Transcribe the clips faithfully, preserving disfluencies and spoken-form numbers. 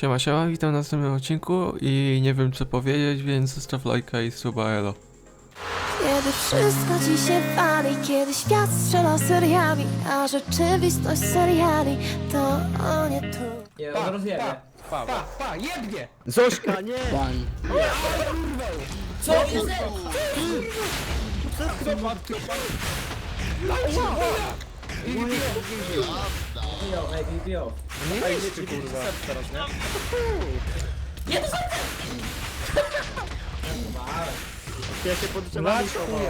Siema, siema, witam na następnym odcinku i nie wiem co powiedzieć, więc zostaw lajka i suba, elo. Kiedy wszystko ci się wali, kiedy świat strzela seriami, a rzeczywistość seriali to o nie tu. Nie, on rozjebie. Pa, pa, pa, jebnie! Zośka, nie! Pan. Co jest? Bijo, ej, bijo. Nie jeźdźcie, kurwa. Teraz, nie? Ja się pod drzewami Masz schowałem.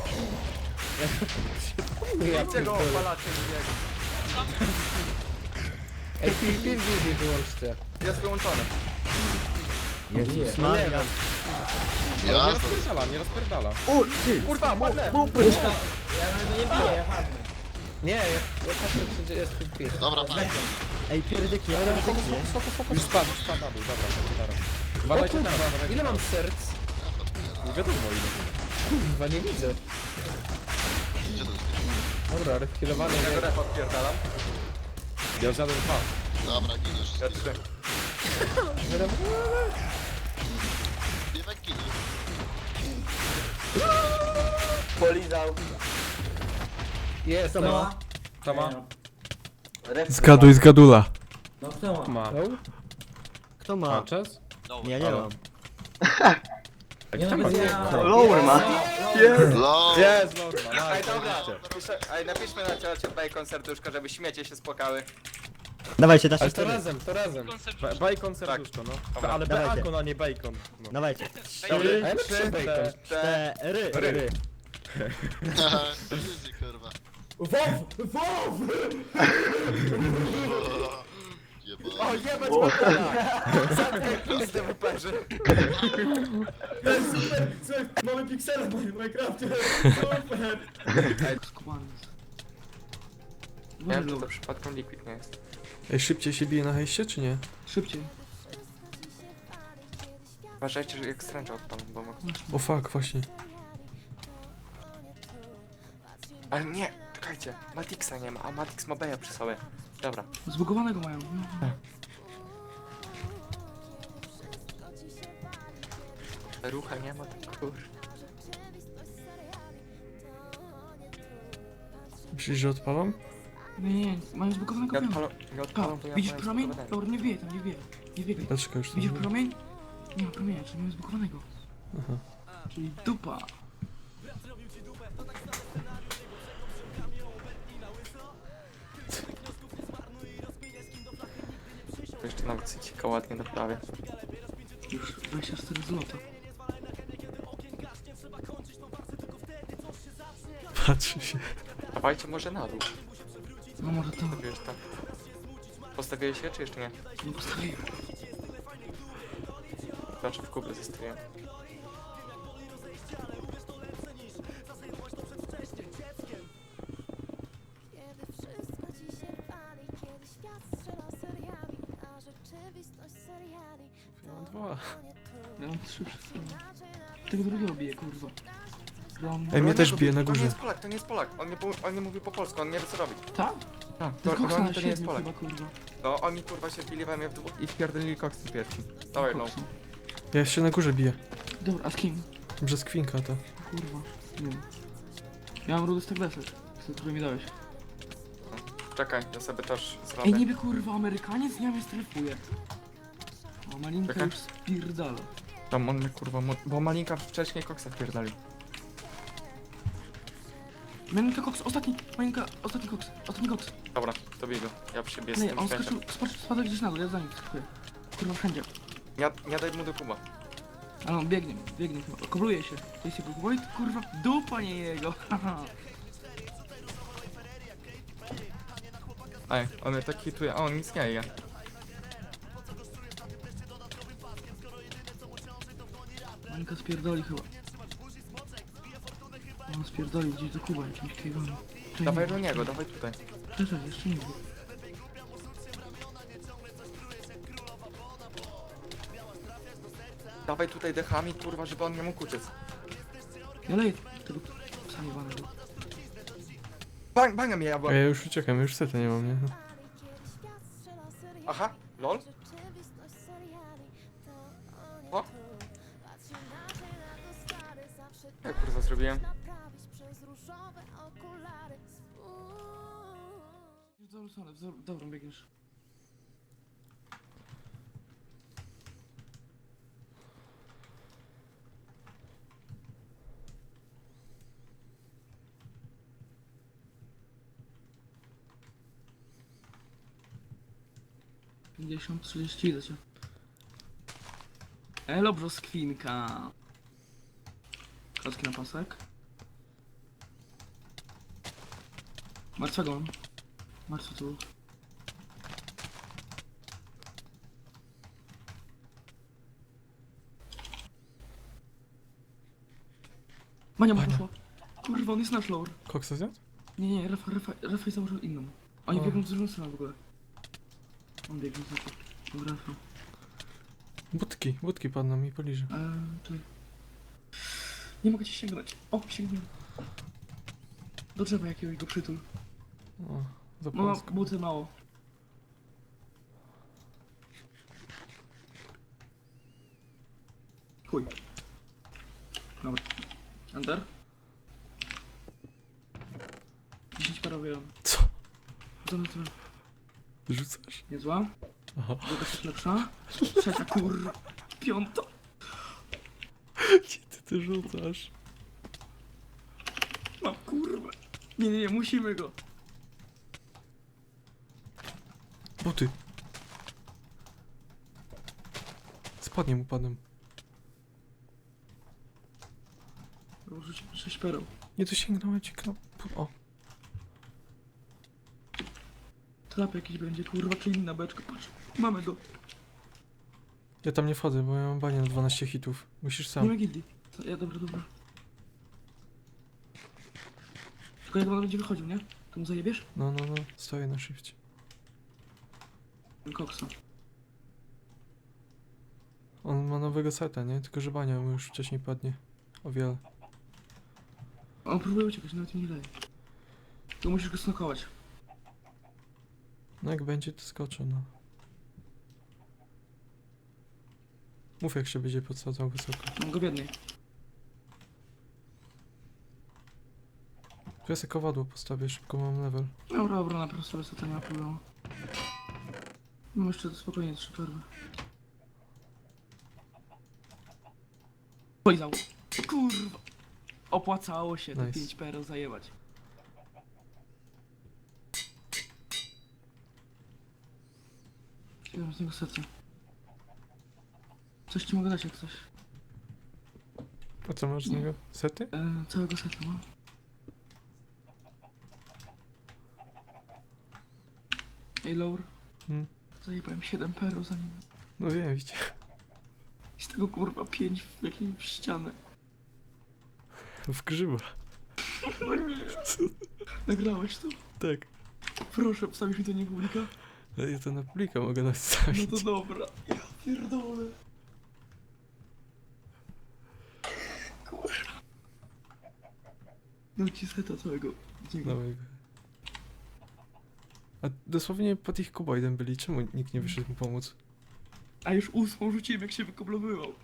chuja! Jedźcie go, opalacie drugiego. Ej, PvP nie wyłączcie. Jest wyłączony. Jezus No nie Maria. wiem. Ale nie rozpierdala, nie rozpierdala. O, ty! Kurwa, padnę! Ja nawet go nie biję, ja padnę. Nie, ja, ja patrzę, czy jest PvP. Dobra, tak. Ej, pierdyki, ale Spoko, spoko, spoko, spoko. Już spadł, już spadł na dół, dobra, chodźcie teraz. Uważajcie tam, uważajcie. ile mam serc? Nie wiadomo ile. Kurwa, nie widzę. Gdzie to jest? Dobra, refkilowany. Ja go ref odpierdalam. Ja zjadłem dwa. Dobra, giniesz. Ja trzy. Biewek ginie. Polizał. Jest, Co ma? To ma? Zgaduj, zgadula. No kto ma? Ma. Kto Ma ma? czas? Nie, nie mam. Nie no, widzę, ja... Lower ma. Low. Jest, norma, Ej, dobra, napiszę, ej, napiszmy na czacie bacon serduszko, żeby śmiecie się spłakały. Dawajcie, dasz Ale jeszcze to raz. razem, to razem. Ba- Bacon serduszko, no. Dobra, Ale dawajcie. bacon, a nie bacon. No. Dawajcie. A Trzy, ja na trzy bacon. cztery, ry. Easy, kurwa. WoW! WoW! Jeba. O, jebać bokala! Pizdy wyperzy. Słuchaj, mamy piksele w moim Minecrafcie. Super! Nie wiem, czy to przypadkiem liquid nie jest. Ej, szybciej się bije na hejście, czy nie? Uważajcie, że jak stręcza odpadł, bo mogę... O fuck, właśnie. Ale nie, czekajcie, Matixa nie ma, a Matix ma Beja przy sobie. Dobra. Zbugowanego mają. Rucha nie ma, to kur... Myślisz, że odpalam? Nie, nie, mają zbugowanego Nie mają. odpalą, nie odpalą, to ja Widzisz powiem promień? spowodowanie. Dobra, nie wbije tam, nie wbije. Nie wbije. Dlaczego już to Widzisz zrobię? promień? Nie ma promienia, czyli mają zbugowanego. Aha. Czyli dupa. To jeszcze nawet cycika ładnie doprawię. Już dwadzieścia cztery złota. Patrzy się. Dawajcie może na dół. No może to. Postawiłeś tam. Postawiłeś się, czy jeszcze nie? Nie postawiłem. Znaczy w kubę zestruję. Kiedy wszystko ci się wali, kiedy świat strzela seriami, a rzeczywistość seriali Ja mam dwa. to nie tu. Ja mam trzy przed sobą. Tego drugiego bije, kurwa. Rom. Ej, mnie On też nie- bije na To nie górze. jest Polak, to nie jest Polak. On nie, po- on nie mówi po polsku, on nie wie co robić. Tak? Tak, To to, jest koksa to, na to nie jest siedmiu Polak. chyba, kurwa. No oni kurwa się wbili we mnie w dwóch i wpierdolili koksy pierwsi. Dawaj no. Koksa. Ja się na górze biję. Dobra, a z kim? Przez kwinka to. Kurwa. Nie wiem. Ja mam rudy stack desek, który mi dałeś. Czekaj, ja sobie też Ej, zrobię. niby kurwa Amerykaniec nie mnie strefuje. O, malinka Czekaj. już spierdala. Tam on mnie kurwa, mo- bo Malinka wcześniej koksa wpierdolił. Malinka koks, ostatni, malinka, ostatni koks, ostatni koks. Dobra, to biegł. Ja przybiję z Nie, tym on śmieciem. skoczył, skoczył, spadł gdzieś na dół, ja za nim skakuję. Kurwa wszędzie. Nie, nie daj mu do kuba. Ale on biegnie, biegnie chyba, kobluje się. To jest jego Wojt, kurwa, dupa nie jego. Haha. Ej, on mnie tak hituje, a on nic nie je. Malinka spierdoli chyba. On spierdolił gdzieś do Kuba jakimś kiegonem. Dawaj do niego, dawaj tutaj. Czekaj, jeszcze nie było. Dawaj tutaj dechami, kurwa, żeby on nie mógł uciec. Ja leję tego psa jebanego. Bang, banga mnie jabła. A ja już uciekam, już seta nie mam, nie? Aha, lol. O! Jak kurwa zrobiłem? W dobrą stronę, w do- w dobrą biegniesz. pięćdziesiąt, trzydzieści, idę cię. Elo, brzoskwinka. Klatki na pasek. Martwego mam. Martwy tu. Mania mu Mania. poszła. Kurwa, on jest nasz lower. Koksa zjadł? Nie, nie, Rafa, Rafa, Rafa założył inną. Oni O. biegną z drugą stroną w ogóle. On biegnie za to. Dobra, Rafa. Budki, budki padną mi poliże. Eee, czekaj. Nie mogę cię sięgnąć. O, sięgnąłem. Do drzewa jakiegoś go przytul. O, za Mama, płasko. buty mało. Chuj. Dobra. Enter. dziesięć parowiłem. Co? Dobra, dobra. Rzucasz? Niezła. Aha. Druga jest lepsza. Trzecia, kurwa. Piąta. Gdzie ty ty rzucasz? Mam kurwa. Nie, nie, nie, musimy go. Buty. Spadnie mu padłem. Rzuć sześć pereł. Nie dosięgnąłem ci knop. O, Trap jakiś będzie, kurwa, czy inna beczka, patrz. Mamy go. ja tam nie wchodzę, bo ja mam banię na dwanaście hitów. Musisz Nie sam. ma gildii. Co- Ja, dobra, dobra. Tylko jak on będzie wychodził, nie? To mu zajebiesz? No, no, no. Stoję na shifcie. Koksa. On ma nowego seta, nie? Tylko że bania mu już wcześniej padnie. O wiele. On próbuje uciekać, nawet mi nie daje. To musisz go snokować. No jak będzie, to skoczę, no. Mów jak się będzie podsadzał wysoko. Mam go w jednej. Tu ja sobie kowadło postawię, szybko mam level. Dobra, dobra, na prostu sobie to nie ma problemu. Mam jeszcze spokojnie trzy perły. Polizał. Kurwa. Opłacało się te Nice. pięć pereł zajebać. Chciałem z niego serce. Coś ci mogę dać jak coś. A co masz z niego? Sety? E, całego seta mam. Ej, Laur. Hmm. Zajebałem siedem pereł za nim. No wiem, widzicie. I z tego kurwa pięć w jakimś ścianę. W grzyba. Nagrałeś to? Tak. Proszę, wstawisz mi to nie publika? Ale ja to na publika mogę No nastawić. to dobra. Ja pierdolę. Kurwa. No ci seta całego. Dziękuję. Dawaj go. A dosłownie pod ich kuboidem byli, czemu nikt nie wyszedł mu pomóc? A już ósmą rzuciłem jak się wykoblowywał.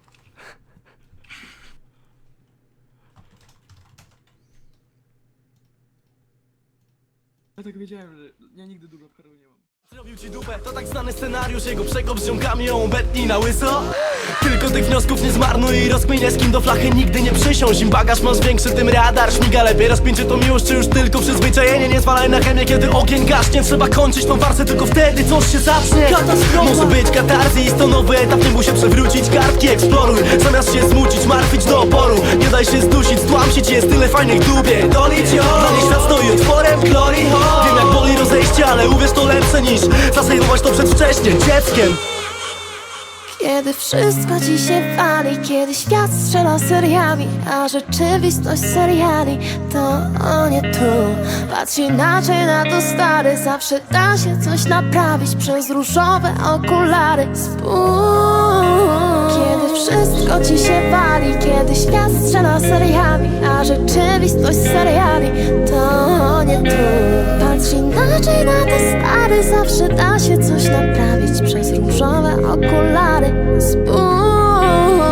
Ja tak wiedziałem, że ja nigdy dużo perł nie mam. Zrobił ci dupę, to tak znany scenariusz. Jego przekop z ziomkami ją obetnij na łyso. Tylko tych wniosków nie zmarnuj i rozkminię, z kim do flachy nigdy nie przysiąść. Im bagaż masz większy, tym radar śmiga lepiej. Rozpięcie to miłość, czy już tylko przyzwyczajenie. Nie zwalaj na chemię, kiedy ogień gaśnie. Trzeba kończyć tą farsę, tylko wtedy coś się zacznie. Katastrofa. Może być katarzis, to nowy etap, nie musi się przewrócić. Kartki eksploruj, zamiast się smucić, martwić do oporu. Nie daj się zdusić, stłamsić, jest tyle fajnych dubie. Dolić ją, dla niej świat stoi otworem, glory hole. Wiem jak boli rozejście, ale uwierz, to lepsze niż zasejmować to przedwcześnie dzieckiem. Kiedy wszystko ci się wali, kiedy świat strzela seriami, a rzeczywistość seriali to o nie tu. Patrz inaczej na to, stary, zawsze da się coś naprawić przez różowe okulary. Spójrz. Kiedy wszystko ci się wali, kiedy świat strzela seriami, a rzeczywistość seriali to o nie tu. Patrz inaczej na to, stary, zawsze da się coś naprawić przez różowe okulary. Spójrz.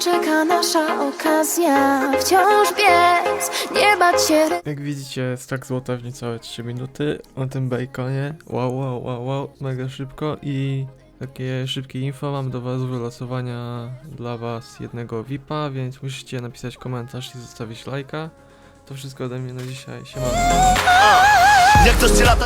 czeka nasza okazja. Wciąż biec, nie bać się. Jak widzicie, stack złota w niecałe trzy minuty o tym baconie. Wow, wow, wow, wow, mega szybko i takie szybkie info mam do was wylosowania dla was jednego V I P-a, więc musicie napisać komentarz i zostawić lajka. To wszystko ode mnie na dzisiaj. Siema. Jak ktoś cię lata